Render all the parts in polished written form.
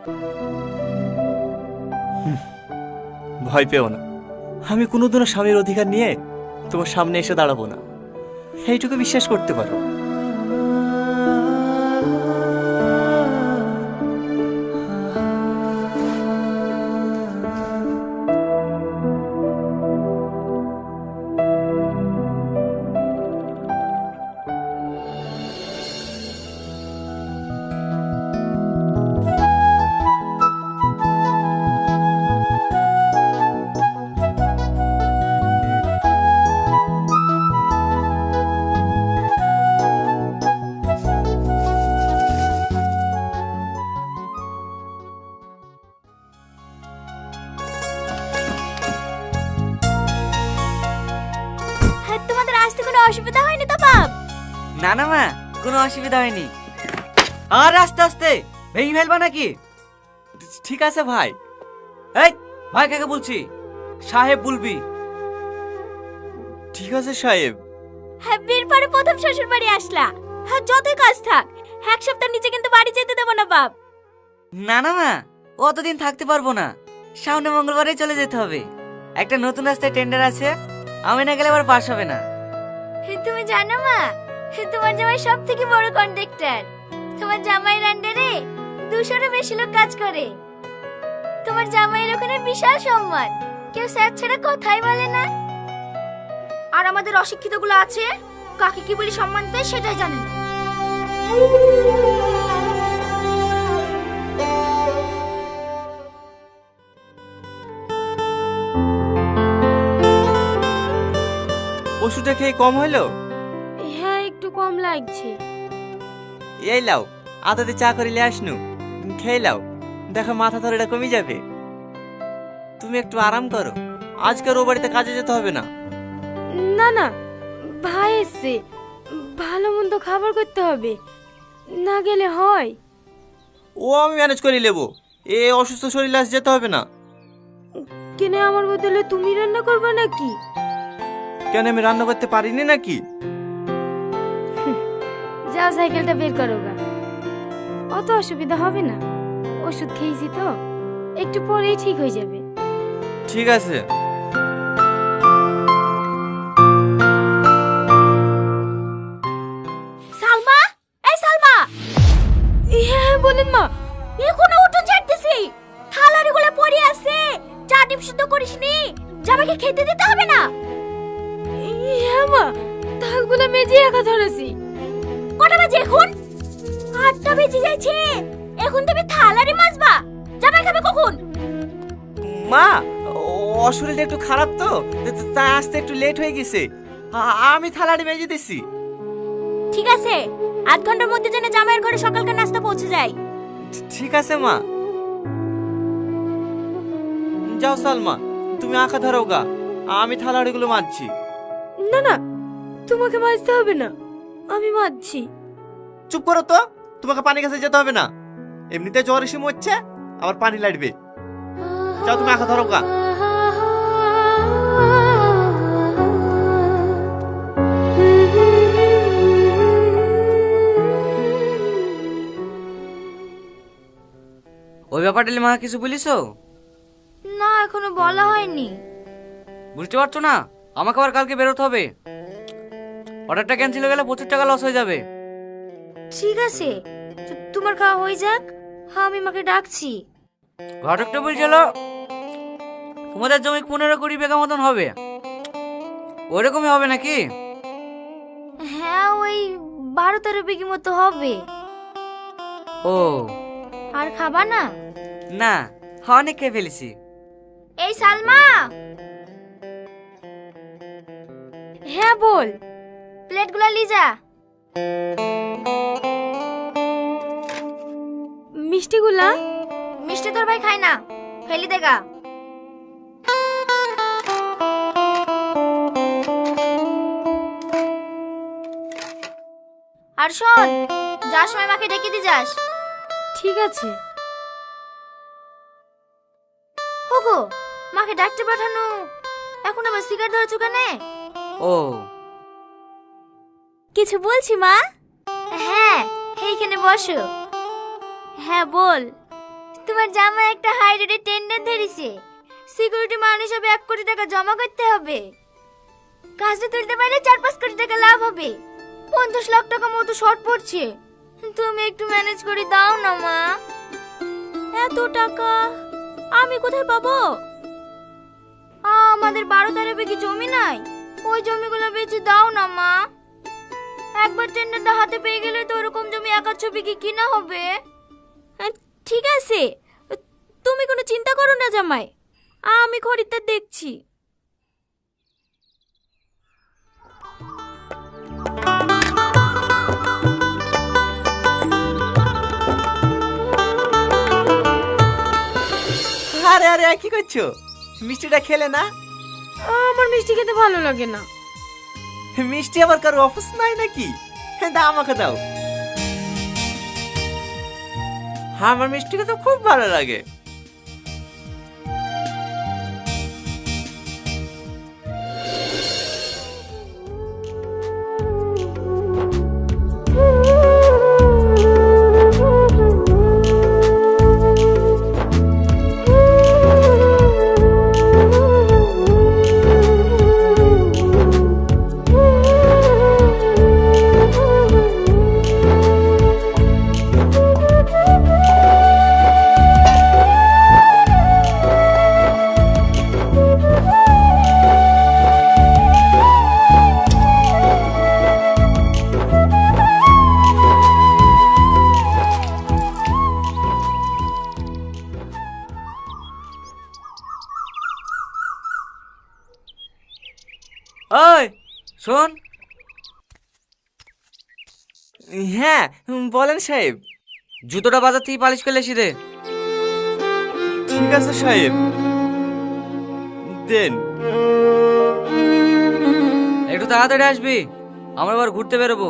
ভয় পেও না, আমি কোনোদিনও স্বামীর অধিকার নিয়ে তোমার সামনে এসে দাঁড়াবো না, এইটুকু বিশ্বাস করতে পারো। তোমাদের আসতে কোনো অসুবিধা হয়নি তো বাপ? না না মা, কোনো অসুবিধা হয়নি। আর আস্তে আস্তে ভেঙে ফেলবা নাকি? ঠিক আছে ভাই। এই ভাই কাকে বলছি? সাহেব বলবি। ঠিক আছে সাহেব। হ্যাঁ, বিয়ের পরে প্রথম শ্বশুর বাড়ি আসলা, হ্যাঁ যতই কাজ থাক এক সপ্তাহ নিচে কিন্তু বাড়ি যেতে দেবো না বাপ। না না মা, অতদিন থাকতে পারবো না, সামনে মঙ্গলবারে চলে যেতে হবে। একটা নতুন রাস্তায় টেন্ডার আছে, আমি না গেলে আবার পাস হবে না। তুমি জানো মা, তোমার জামাই সব থেকে বড় কন্ট্রাক্টর। তোমার জামাইয়ের আন্ডারে 200-এরও বেশি লোক কাজ করে। তোমার জামাইয়ের ওখানে বিশাল সম্মান, কেউ স্যার ছাড়া কথাই বলে না। আর আমাদের অশিক্ষিত গুলো আছে, কাকে কি বলি সম্মান দেয় সেটাই জানে না। ওষুধটা খেয়ে কম হলো? হ্যাঁ, একটু কম লাগছে। এই লাও, আদাতে চা করিলে আসনু, খেয়ে লাও, দেখো মাথা ধরেটা কমে যাবে। তুমি একটু আরাম করো, আজকের ও বাড়িতে কাজে যেতে হবে না। না না, ভাই এসছে, ভালো মন্দ খাবার করতে হবে, না গেলে হয়। ও আমি ম্যানেজ করে নেবো, এ অসুস্থ শরীরে আজ যেতে হবে না। কেন আমার বদলে তুমি রান্না করবে নাকি? কেন আমি রান্না করতে পারিনি নাকি? যাও সাইকেলটা বের করো গা, অত অসুবিধা হবে না। ওষুধ খেয়েছি তো, একটু পরেই ঠিক হয়ে যাবে। ঠিক আছে। সালমা, এই সালমা। হ্যাঁ বলেন মা। এখনো উঠোন ঝাড়তেছি, থালারিগুলো পড়ে আছে, চা ডিম সিদ্ধ করিসনি, জামাইকে খেতে দিতে হবে না? হ্যাঁ মা, থালগুলো মেজে রাখা ধরেছি। কটা বাজে এখন? 8টা বেজে যাচ্ছে, এখন তুমি থালারি মাজবা? জামাই খাবে কখন? মা, ও শরীরটা একটু খারাপ তো, তাই আসতে একটু লেট হয়ে গেছে। আমি থালাটি মেজে দিছি। ঠিক আছে, আধ ঘন্টার মধ্যে যেন জামাইয়ের ঘরে সকালকার নাস্তা পৌঁছে যায়। ঠিক আছে মা। যাও সালমা, তুমি আঁকা ধরো গা, আমি থালাড়িগুলো মাজছি। না না, তোমাকে মাজতে হবে না, আমি মাজছি। চুপ করো তো, তোমাকে পানি কাছে যেতে হবে না, এমনিতে জ্বর এসে মরছে, আবার পানি লাগবে। যাও তুমি আঁকা ধরো গা। ওই ব্যাপারটা মা কিছু বলিস? না, এখনো বলা হয়নি। বুঝতে পারছো না, আমাকে আবার কালকে বেরোতে হবে। অর্ডারটা ক্যান্সেল হয়ে গেলে প্রচুর টাকা লস হয়ে যাবে। ঠিক আছে, তোমার খাওয়া হয়ে যাক, হ্যাঁ আমি মাকে ডাকছি। ঘটকটা বলছিল তোমাদের জমি 15-20 বিঘা মতন হবে, ওইরকমই হবে নাকি? হ্যাঁ, ওই 12-13 বিঘি মতো হবে। ও আর খাবা না? না, অনেক খেয়ে ফেলেছি। এই সালমা। হ্যাঁ বল। প্লেটগুলো লিজা। মিষ্টিগুলা? মিষ্টি তোর ভাই খায় না, ফেলি দেগা। আর শোন, যার সময় মাকে ডেকে দিয়ে যাস। ঠিক আছে। ওগো, মাকে ডাকতে পাঠানো, এখন আবার সিগারেট ধরেছো কেন? ও কিছু বলছি মা? হ্যাঁ, এইখানে বসো। হ্যাঁ বল। তোমার জামাই একটা হাই রেটের টেন্ডার ধরেছে, সিকিউরিটি মান হিসাবে 1 কোটি টাকা জমা করতে হবে। কাজটা তুলতে পারলে 4-5 কোটি টাকা লাভ হবে। 50 লাখ টাকা মতো শর্ট পড়ছে, তুমি একটু ম্যানেজ করে দাও না মা। এত টাকা আমি কোথায় পাবো? আমাদের 12-13 বিঘি জমি নাই, ওই জমিগুলো বেচে দাও না মা। একবার টেন্ডারটা হাতে পেয়ে গেলে তো ওরকম জমি 1-2 বিঘি কিনা হবে। ঠিক আছে, তুমি কোনো চিন্তা করো না জামাই, আমি খরিদ্দার দেখছি। আরে আরে কি করছো? মিষ্টিটা খেলে না? আমার মিষ্টি খেতে ভালো লাগে না। মিষ্টি আবার কারো অফিস নাই নাকি? দাও আমাকে দাও। আমার মিষ্টি খেতে খুব ভালো লাগে। ওই শোন। হ্যাঁ বলেন সাহেব। জুতোটা বাজার থেকে পালিশ করে এসে দে। ঠিক আছে সাহেব, দেন। একটু তাড়াতাড়ি আসবি, আমরা এবার ঘুরতে বেরোবো।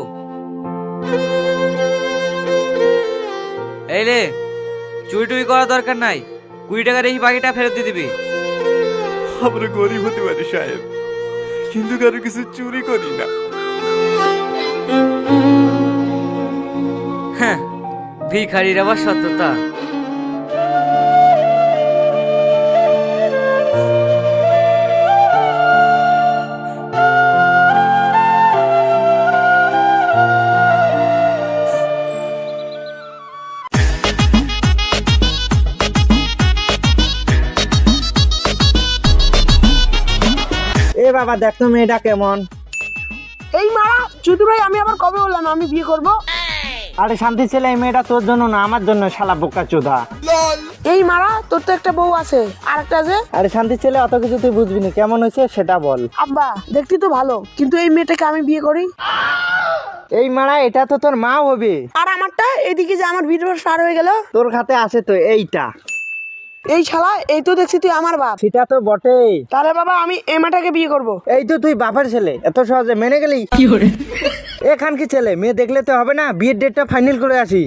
এই রে, চুরি টুরি করার দরকার নাই, 20 টাকার এই বাকিটা ফেরত দিয়ে দিবি। আমরা গরিব হতে পারি সাহেব, কিন্তু কারো কিছু চুরি করি না। হ্যাঁ, ভিখারির আবার সত্যতা। এ বাবা দেখ তো মেয়েটা কেমন। এই মারা চুদি ভাই, আমি আবার কবে বললাম আমি বিয়ে করব? আরে শান্তি ছেলে, এই মেয়েটা তোর জন্য না আমার জন্য, শালা বোকা চোদা। এই মারা তোর তো একটা বউ আছে, আর একটা আছে। আরে শান্তি ছেলে, অত কিছু তুই বুঝবি না, কেমন হয়েছে সেটা বল। আব্বা দেখতে তো ভালো, কিন্তু এই মেয়েটাকে আমি বিয়ে করি। এই মারা, এটা তো তোর মা হবে। আর আমারটা এদিকে যে আমার ভিডিও স্টার হয়ে গেল। তোর খাতে আছে তো এইটা। এই শালা, এই তো দেখছি তুই আমার বাপ। সেটা তো বটেই। তাহলে বাবা আমি এই মেয়েটাকে বিয়ে করব। এই তো তুই বাপের ছেলে, এত সহজে মেনে গেলি? এখান কি ছেলে, মেয়ে দেখলে তো হবে না, বিয়ের ডেটটা ফাইনাল করে আসি।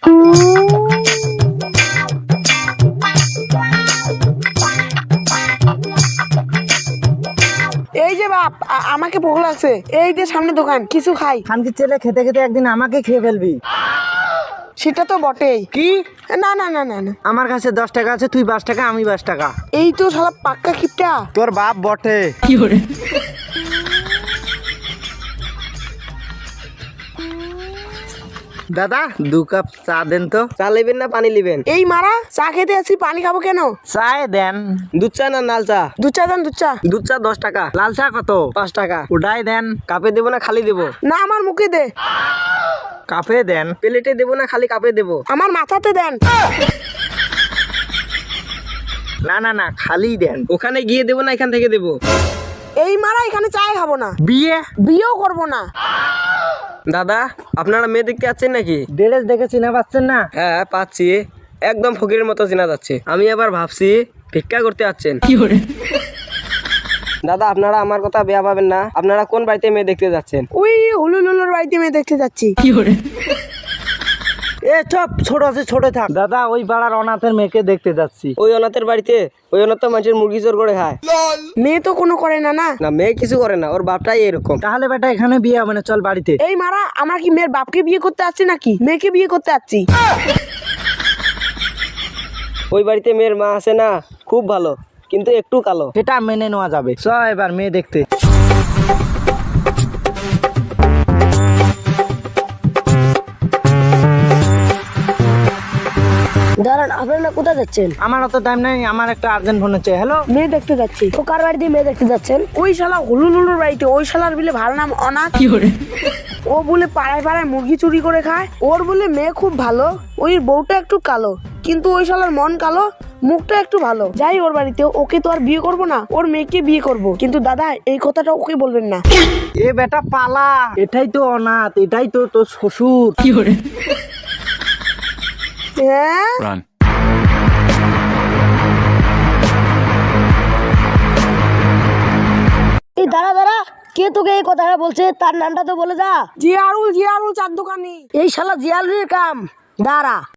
এই যে বাপ, আমাকে ভোগ লাগছে, এই যে সামনে দোকান, কিছু খাই। খানকি ছেলে, খেতে খেতে একদিন আমাকে খেয়ে ফেলবি। সেটা তো বটেই। কি? না না না না না, আমার কাছে 10 টাকা আছে, তুই 5 টাকা, আমি 5 টাকা। এই তো শালা পাক্কা কিপটা। তোর বাপ বটে। দাদা 2 কাপ চা দেন তো। চা নেবেন না পানি নেবেন? এই মারা, চা খেতে আছি, পানি খাবো কেন? চায় দেন। দুধ চা না লাল চা? দুধ চা দেন, দুধ চা। দুধ চা 10 টাকা। লাল চা কত? 5 টাকা। ওটাই দেন। কাপে দেবো না খালি দেবো? না, আমার মুখে দে। কাপে দেন। প্লেটে দেবো না খালি কাপে দেবো? আমার মাথাতে দেন। না না না, খালি দেন। ওখানে গিয়ে দেবো না এখান থেকে দেবো? এই মারা, এখানে চাই খাবো না, বিয়ে? বিয়েও করবো না। দাদা, আপনারা মেয়ে দেখতে যাচ্ছেন নাকি? ড্রেস দেখে চিনা পাচ্ছেন না? হ্যাঁ পাচ্ছি, একদম ফকিরের মতো চেনা যাচ্ছে। আমি আবার ভাবছি ভিক্ষা করতে যাচ্ছেন। দাদা, আপনারা আমার কথা বেয়া পাবেন না, আপনারা কোন বাড়িতে মেয়ে দেখতে যাচ্ছেন? ওই হুলুলুলুর বাড়িতে মেয়ে দেখতে যাচ্ছি। এ চপ, ছোট আছে ছোট থাক। দাদা, ওই পাড়ার অনাথের মেয়েকে দেখতে যাচ্ছি। ওই অনাথের বাড়িতে? ওই অনাথ তো মানুষের মুরগি চোর করে খায়। মেয়ে তো কোনো করে না। না না, মেয়ে কিছু করে না, ওর বাপটাই এরকম। তাহলে বেটা এখানে বিয়ে হবে না, চল বাড়িতে। এই মারা, আমরা কি মেয়ের বাপকে বিয়ে করতে আসছি নাকি মেয়েকে বিয়ে করতে আসছি? ওই বাড়িতে মেয়ের মা আছে না, খুব ভালো, কিন্তু একটু কালো। সেটা মেনে নেওয়া যাবে। চ এবার মেয়ে দেখতে। দাঁড়ান, আপনারা কোথায় যাচ্ছেন? আমার অত টাইম নাই, আমার একটা আর্জেন্ট ফোন হচ্ছে। হ্যালো, মেয়ে দেখতে যাচ্ছি। তো কার বাড়িতে মেয়ে দেখতে যাচ্ছেন? ওই শালা হুলুলুলুর বাড়িতে। ওই শালার বলে ভালো নাম অনাথ। ও বলে পাড়ায় পাড়ায় মুরগি চুরি করে খায়। ওর বলে মেয়ে খুব ভালো, ওই বউটা একটু কালো, কিন্তু ওই শালার মন কালো, মুখটা একটু ভালো। যাই ওর বাড়িতে, ওকে তো আর বিয়ে করব না, ওর মেয়েকে বিয়ে করব। কিন্তু দাদা এই কথাটা ওকে বলবেন না। এ বেটা পালা, এটাই তো অনাথ, এটাই তো তোর শ্বশুর। হ্যাঁ, এই দাঁড়া দাঁড়া, কে তোকে এই কথাটা বলছে? তার নামটা তো বলে যা। জিয়ারুল, জিয়ারুল চার দোকানি। এই শালা জিয়ালুরের কাম। দাঁড়া।